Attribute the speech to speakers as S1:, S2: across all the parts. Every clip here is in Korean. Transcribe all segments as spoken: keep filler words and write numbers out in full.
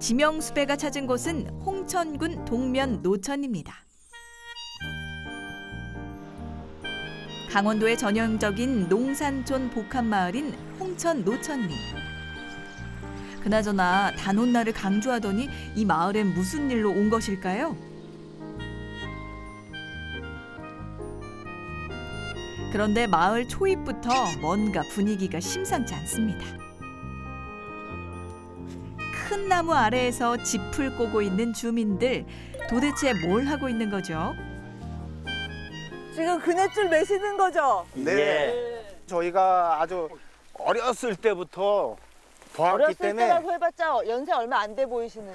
S1: 지명수배가 찾은 곳은 홍천군 동면 노천입니다. 강원도의 전형적인 농산촌 복합마을인 홍천 노천리. 그나저나 단오날을 강조하더니 이 마을엔 무슨 일로 온 것일까요? 그런데 마을 초입부터 뭔가 분위기가 심상치 않습니다. 큰 나무 아래에서 짚을 꼬고 있는 주민들, 도대체 뭘 하고 있는 거죠?
S2: 지금 그네줄 매시는 거죠?
S3: 네. 저희가 아주 어렸을 때부터 보았기
S2: 어렸을
S3: 때문에
S2: 때라고 해봤자 연세 얼마 안 돼 보이시는.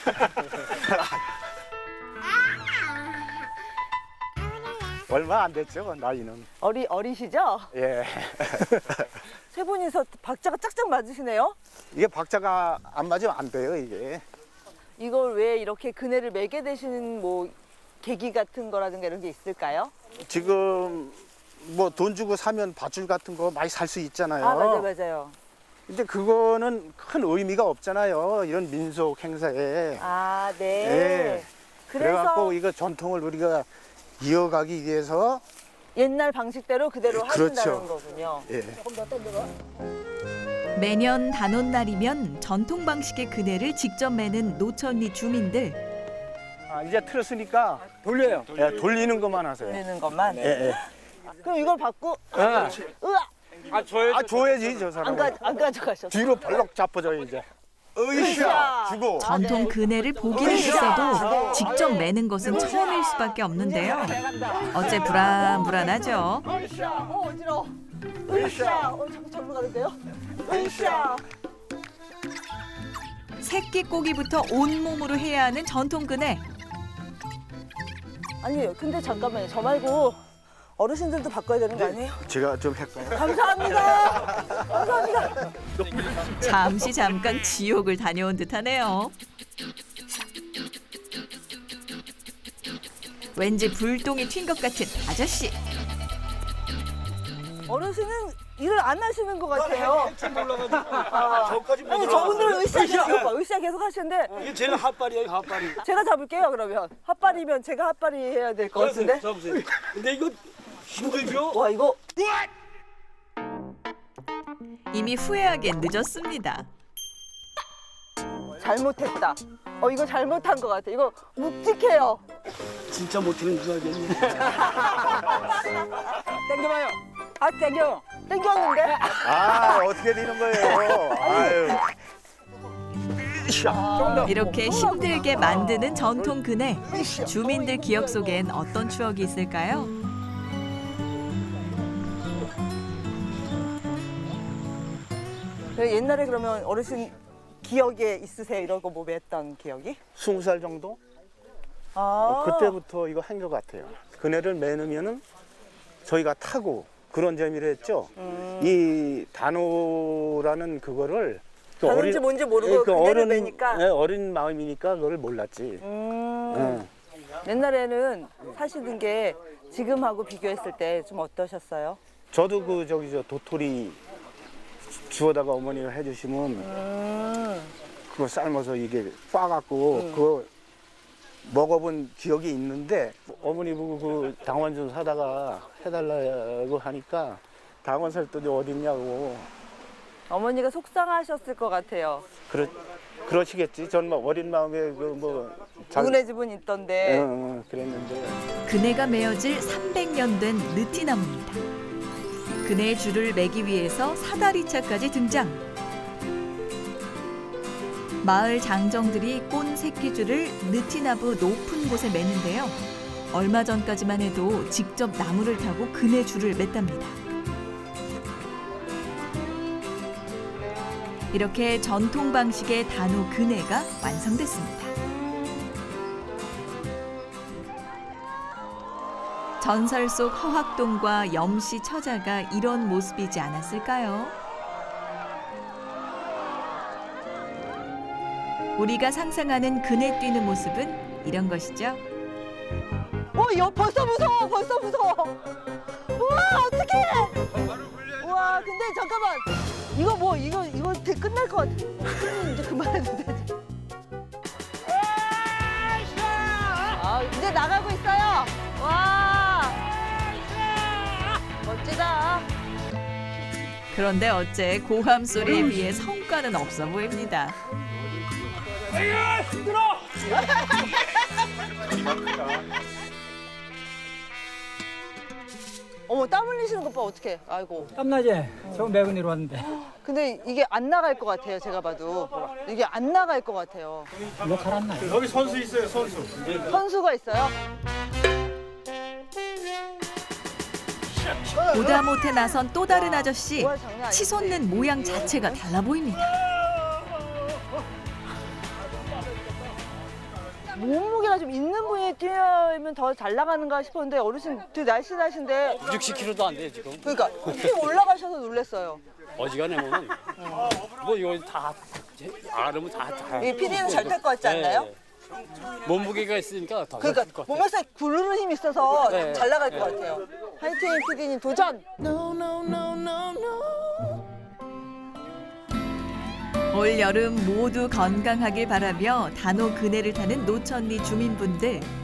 S3: 얼마 안 됐죠, 나이는.
S2: 어리 어리시죠?
S3: 예.
S2: 세 분이서 박자가 짝짝 맞으시네요.
S3: 이게 박자가 안 맞으면 안 돼요, 이게.
S2: 이걸 왜 이렇게 그네를 매게 되시는 뭐 계기 같은 거라든가 이런 게 있을까요?
S3: 지금 뭐 돈 주고 사면 밧줄 같은 거 많이 살 수 있잖아요.
S2: 아 맞아요, 맞아요.
S3: 근데 그거는 큰 의미가 없잖아요, 이런 민속 행사에.
S2: 아 네.
S3: 예.
S2: 그래서
S3: 그래갖고 이거 전통을 우리가 이어가기 위해서
S2: 옛날 방식대로 그대로
S3: 그렇죠.
S2: 하신다는 거군요.
S3: 예.
S1: 매년 단오날이면 전통 방식의 그네를 직접 매는 노천리 주민들.
S3: 아, 이제 틀었으니까 돌려요. 예, 돌리는 것만 하세요.
S2: 내는 것만.
S3: 예, 예.
S2: 그럼 이걸 받고
S3: 아,
S2: 으아
S3: 아, 줘야지. 아, 줘야지, 저 사람.
S2: 안, 가, 안 가져가셨어.
S3: 뒤로 벌럭 잡아줘, 이제. 으쌰! 주고.
S1: 전통 그네를 보기는 있어도 직접 매는 것은 처음일 수밖에 없는데요. 어째 불안불안하죠.
S2: 어 어지러워. 으쌰. 어 자꾸 절로 가는데요? 으쌰.
S1: 새끼 꼬기부터 온몸으로 해야 하는 전통 그네.
S2: 아니요. 근데 잠깐만요. 저 말고 어르신들도 바꿔야 되는 거 아니에요?
S3: 제가 좀 할까요?
S2: 감사합니다. 감사합니다.
S1: 잠시 잠깐 지옥을 다녀온 듯하네요. 왠지 불똥이 튄 것 같은 아저씨.
S2: 어르신은 일을 안 하시는 것 같아요. 아,
S4: 저까지 못
S2: 아니
S4: 들어갔어요.
S2: 저분들은 으쌰 계속 으쌰 계속 하시는데
S4: 이게 제일 핫발이에요, 핫발이.
S2: 제가 잡을게요 그러면. 핫발이면 제가 핫발이 해야 될 것 같은데.
S4: 잡으세요. 근데 이거 힘들죠?
S2: 와 이거
S1: 이미 후회하기엔 늦었습니다.
S2: 잘못했다. 어 이거 잘못한 것 같아. 이거 묵직해요.
S4: 진짜 못하는 줄 알겠네.
S2: 땡겨봐요. 아 땡겨. 땡겼는데.
S3: 아, 어떻게 되는 거예요? 아유.
S1: 이렇게 힘들게 만드는 전통 그네. 주민들 기억 속엔 어떤 추억이 있을까요?
S2: 그 옛날에 그러면 어르신 기억에 있으세요? 이런 거 뭐 했던 기억이?
S3: 스무 살 정도?
S2: 아
S3: 그때부터 이거 한 것 같아요. 그네를 매너면은 저희가 타고 그런 재미를 했죠.
S2: 음.
S3: 이 단오라는 그거를 그
S2: 다른지 뭔지 모르고
S3: 그
S2: 그네를
S3: 어른,
S2: 매니까.
S3: 예, 어린 마음이니까 그걸 몰랐지.
S2: 음.
S3: 응.
S2: 옛날에는 사시는 게 지금하고 비교했을 때 좀 어떠셨어요?
S3: 저도 그 저기 저 도토리 주워다가 어머니가 해주시면
S2: 음.
S3: 그거 삶아서 이게 빻갖고 그거 먹어본 기억이 있는데 어머니 보고 그 당원 좀 사다가 해달라고 하니까 당원 살 돈이 어딨냐고
S2: 어머니가 속상하셨을 것 같아요.
S3: 그러, 그러시겠지. 저는 뭐 어린 마음에 그뭐
S2: 누구네 집은 있던데.
S3: 응, 응, 그랬는데
S1: 그네가 메어질 삼백 년 된 느티나무입니다. 그네의 줄을 매기 위해서 사다리차까지 등장. 마을 장정들이 꼰 새끼줄을 느티나무 높은 곳에 매는데요. 얼마 전까지만 해도 직접 나무를 타고 그네 줄을 맸답니다. 이렇게 전통 방식의 단오 그네가 완성됐습니다. 전설 속 허학동과 염씨 처자가 이런 모습이지 않았을까요? 우리가 상상하는 그네 뛰는 모습은 이런 것이죠.
S2: 어, 여 벌써 무서워, 벌써 무서워. 우와, 어떡해. 우와, 근데 잠깐만. 이거 뭐, 이거, 이거 되- 끝날 것 같아. 이제 그만해도 되지.
S1: 그런데 어째 고함 소리에 비해 성과는 없어 보입니다.
S2: 어머, 땀 흘리시는 것 봐, 어떡해. 아이고.
S5: 땀나지? 저 매고 내려왔는데.
S2: 근데 이게 안 나갈 것 같아요, 제가 봐도. 이게 안 나갈 것 같아요.
S5: 이거 잘안 나요.
S6: 여기 선수 있어요, 선수.
S2: 선수가 있어요?
S1: 보다 못해 나선 또 다른 아저씨.
S2: 뭐야, 장난 아닌데.
S1: 치솟는 모양 자체가 달라 보입니다.
S2: 몸무게가 좀 있는 분이 뛰면 더 잘 나가는가 싶었는데 어르신 되게 날씬하신데
S4: 육십 킬로그램도 안 돼 지금.
S2: 그러니까 휙 올라가셔서 놀랐어요.
S4: 어지간해 보면 뭐 이거 다 알으면 다 다.
S2: 이 피디는 잘 탈 것 같지 않나요?
S4: 네. 몸무게가 있으니까 더
S2: 그러니까
S4: 잘탈것 같아요.
S2: 몸에서 구르는 힘이 있어서
S4: 네.
S2: 잘 나갈 것
S4: 네.
S2: 같아요. 화이팅 피디님 도전!
S1: 올 여름 모두 건강하길 바라며 단호 그네를 타는 노천리 주민분들.